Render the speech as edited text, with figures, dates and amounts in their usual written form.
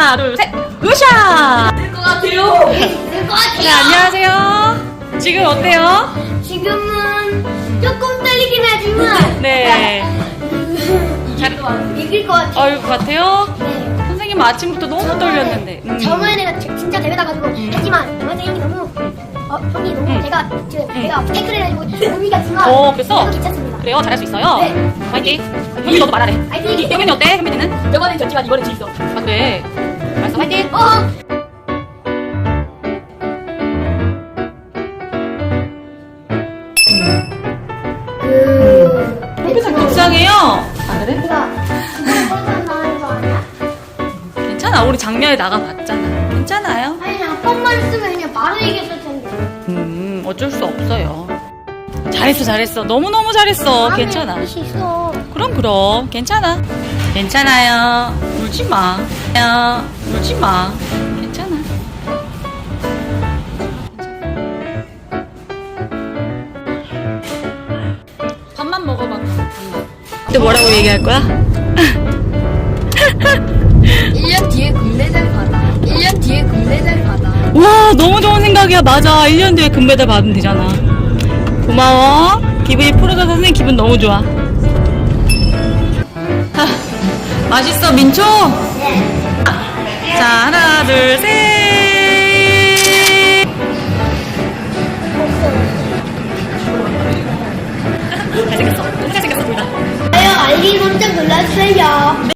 하나, 둘, 셋. 으쌰! 될것 같아요. 될것 같아요. 네, 안녕하세요. 지금 어때요? 지금은 조금 떨리긴 하지만 네. 잘, 이길 것 같아요. 어유 같아요? 네. 선생님 아침부터 너무 떨렸는데. 저번에 진짜 대회 나가지고 했지만 선생님이 너무 형이 너무 제가 태클을 해가지고 몸이 갔지만 그래서? 그래도 괜찮습니다. 그래요? 잘할 수 있어요? 네. 화이팅! 현미 너도 말하래. 화이팅! 현민이 어때? 현민이는? 저번엔 졌지만 이번엔 질 수 없어. 아, 그래. 알았어, 화이팅! 속상해요? 아, 그래? 괜찮아. 우리 작년에 나가봤잖아. 괜찮아요? 아니 한 번만 쓰면 그냥 바로 이겼을 텐데. 어쩔 수 없어요. 잘했어, 잘했어. 너무너무 잘했어. 괜찮아. 할수 있어. 그럼. 괜찮아. 괜찮아요. 울지 마. 울지 마. 괜찮아. 밥만 먹어봐. 밥만. 근데 뭐라고 얘기할 거야? 1년 뒤에 금메달 받아. 1년 뒤에 금메달 받아. 와, 너무 좋은 생각이야. 맞아. 1년 뒤에 금메달 받으면 되잖아. 고마워. 기분이 풀어져서 선생님 기분 너무 좋아. 맛있어, 민초? 네. 자, 하나, 둘, 셋. 잘생겼어. 너무 잘생겼어, 둘 다. 알림 설정 눌러주세요.